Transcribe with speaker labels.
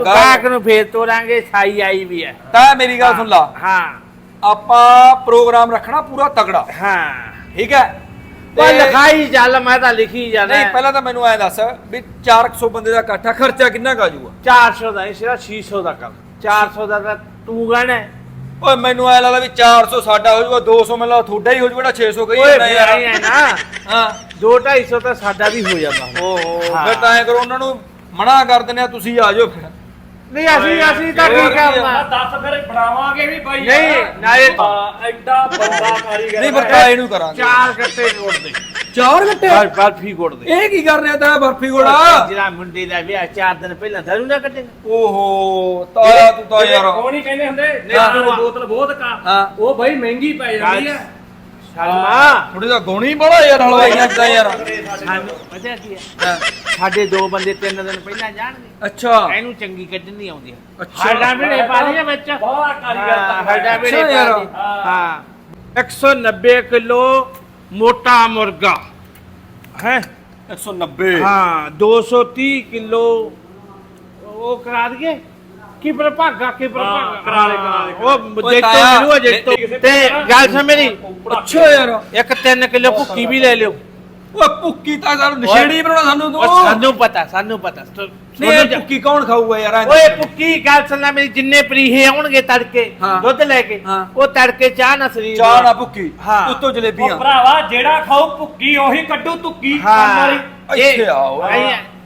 Speaker 1: ਗਾਹਕ ਨੂੰ ਫੇਰ ਤੋਰਾਂਗੇ, ਸਾਈ ਆਈ ਵੀ ਹੈ।
Speaker 2: ਤਾਂ ਮੇਰੀ ਗੱਲ ਸੁਣ ਲਾ,
Speaker 1: ਹਾਂ
Speaker 2: ਆਪਾਂ ਪ੍ਰੋਗਰਾਮ ਰੱਖਣਾ ਪੂਰਾ ਤਗੜਾ,
Speaker 1: ਹਾਂ
Speaker 2: ਠੀਕ ਹੈ?
Speaker 1: ਪਰ ਲਿਖਾਈ ਚੱਲ, ਮੈਂ ਤਾਂ ਲਿਖੀ ਜਾਣਾ।
Speaker 2: ਨਹੀਂ ਪਹਿਲਾਂ ਤਾਂ ਮੈਨੂੰ ਐ ਦੱਸ ਵੀ 400 ਬੰਦੇ ਦਾ ਇਕੱਠਾ ਖਰਚਾ ਕਿੰਨਾ ਕੁ ਆ ਜਾਊਗਾ?
Speaker 1: 400 ਦਾ ਨਹੀਂ, ਸਿਰਫ 600 ਦਾ ਕਰ। 400 ਦਾ ਤਾਂ ਤੂੰ ਗਾਣਾ।
Speaker 2: ਓਏ ਮੈਨੂੰ ਐ ਲੱਗਦਾ ਵੀ 400 ਸਾਡਾ ਹੋ ਜਾਊਗਾ, 200 ਮੈਨੂੰ ਲੱਗਦਾ ਤੁਹਾਡਾ ਹੀ ਹੋ ਜਾਊਗਾ, 600 ਕਹੀ
Speaker 1: ਓਏ
Speaker 2: ਜਾਂਦਾ ਯਾਰ।
Speaker 1: ਹੈ ਨਾ,
Speaker 2: ਹਾਂ
Speaker 1: 2-250 ਤਾਂ ਸਾਡਾ ਵੀ ਹੋ ਜਾਂਦਾ।
Speaker 2: ਓਹੋ ਫਿਰ ਤਾਂ ਐ ਕਰੋ, ਉਹਨਾਂ ਨੂੰ ਮਨਾ ਕਰ ਦਿੰਦੇ ਆ, ਤੁਸੀਂ ਆ ਜਾਓ ਫਿਰ।
Speaker 1: ਨਹੀਂ ਅਸੀਂ ਤਾਂ ਠੀਕ ਆ।
Speaker 3: ਦੱਸ ਫਿਰ ਬਣਾਵਾਂਗੇ ਵੀ ਬਾਈ।
Speaker 1: ਨਹੀਂ ਨਾਲੇ
Speaker 3: ਐਡਾ ਬੰਦਾ ਕਾਰੀਗਰ
Speaker 2: ਨਹੀਂ ਪਰ ਤਾਂ ਇਹਨੂੰ ਕਰਾਂਗੇ।
Speaker 1: 4 ਗੱਟੇ ਜੋੜ ਦੇ,
Speaker 2: 4 ਗੱਟੇ
Speaker 1: ਬਰਫੀ ਗੋੜ ਦੇ।
Speaker 2: ਇਹ ਕੀ ਕਰ ਰਿਹਾ ਤਾਂ ਬਰਫੀ ਗੋੜਾ?
Speaker 1: ਜਿਹੜਾ ਮੁੰਡੇ ਦਾ ਵਿਆਹ 4 ਦਿਨ ਪਹਿਲਾਂ ਧਰੂ ਨਾ ਕੱਟੇਗਾ।
Speaker 2: ਓਹੋ ਤਾਇਆ ਤੂੰ ਤਾਂ ਯਾਰ
Speaker 3: ਉਹ ਨਹੀਂ ਕਹਿੰਦੇ ਹੁੰਦੇ
Speaker 2: ਹਾਂ।
Speaker 3: ਨੇ ਬੋਤਲ ਬਹੁਤ ਕਾ,
Speaker 2: ਹਾਂ।
Speaker 3: ਉਹ ਬਾਈ ਮਹਿੰਗੀ ਪੈ ਜਾਂਦੀ ਆ।
Speaker 1: ਸ਼ਰਮਾ
Speaker 2: ਥੋੜੀ ਦਾ ਗੋਣੀ ਬੜਾ ਯਾਰ ਹਲਵਾਈਆਂ ਦਾ ਯਾਰ।
Speaker 1: ਸਾਨੂੰ ਪਤਾ ਕੀ ਹੈ,
Speaker 2: ਹਾਂ।
Speaker 1: ਸਾਡੇ 2 ਬੰਦੇ 3 ਦਿਨ ਪਹਿਲਾਂ ਜਾਣਗੇ।
Speaker 2: ਅੱਛਾ
Speaker 1: ਇਹਨੂੰ ਚੰਗੀ ਕੱਢਣੀ ਆਉਂਦੀ ਹੈ।
Speaker 2: ਅੱਛਾ।
Speaker 1: ਸਾਡਾ ਵੀ ਨਹੀਂ ਪਾ ਲਿਆ ਵਿੱਚ।
Speaker 3: ਬਹੁਤ ਕਾਰੀਗਰ ਤਾਂ
Speaker 1: ਸਾਡਾ ਵੀ ਨਹੀਂ
Speaker 2: ਅੱਛਾ ਯਾਰ।
Speaker 1: ਪਾ ਲਿਆ। ਹਾਂ 190 ਕਿਲੋ ਮੋਟਾ ਮੁਰਗਾ ਹੈ।
Speaker 2: 190
Speaker 1: ਹਾਂ 230 ਕਿਲੋ ਉਹ ਕਰਾ ਦਈਏ। ਕੀ ਪ੍ਰਭਾਗਾ ਕੀ ਪ੍ਰਭਾਗਾ
Speaker 3: ਕਰਾ ਲੈ
Speaker 1: ਉਹ
Speaker 2: ਓਏ
Speaker 1: ਜੇਤੋ
Speaker 2: ਤਾਇਆ,
Speaker 1: ਮਿਲੂਗਾ ਜੇਤੋ। ਤੇ ਗੱਲ ਸੁਣ ਮੇਰੀ,
Speaker 2: ਅੱਛਾ ਯਾਰ।
Speaker 1: ਇੱਕ 3 ਕਿਲੋ ਭੁੱਕੀ ਵੀ ਲੈ ਲਿਓ।
Speaker 2: ਓਏ ਭੁੱਕੀ ਤਾਂ ਸਾਨੂੰ ਨਸ਼ੇੜੀ ਬਣਾਉਣਾ ਸਾਨੂੰ ਤੂੰ।
Speaker 1: ਉਹ ਸਾਨੂੰ ਪਤਾ
Speaker 2: ਨਹੀਂ ਇਹ ਭੁੱਕੀ ਕੌਣ ਖਾਊਗਾ ਯਾਰ?
Speaker 1: ਓਏ ਭੁੱਕੀ ਗੱਲ ਸੁਣਨਾ ਮੇਰੀ, ਜਿੰਨੇ ਪ੍ਰੀਹੇ ਆਉਣਗੇ ਤੜਕੇ
Speaker 2: ਹਾਂ।
Speaker 1: ਦੁੱਧ ਲੈ ਕੇ,
Speaker 2: ਹਾਂ।
Speaker 1: ਉਹ ਤੜਕੇ ਚਾਹ ਨਾ ਸਰੀਰ
Speaker 2: ਚਾਹ ਨਾ ਭੁੱਕੀ,
Speaker 1: ਹਾਂ।
Speaker 2: ਉੱਤੋਂ ਜਲੇਬੀਆਂ।
Speaker 3: ਉਹ ਭਰਾਵਾ ਜਿਹੜਾ ਖਾਊ ਭੁੱਕੀ ਉਹੀ ਕੱਢੂ ਤੁੱਕੀ ਕੰਮ
Speaker 1: ਹਾਂ
Speaker 3: ਵਾਲੀ।
Speaker 2: ਇੱਥੇ ਆਓ।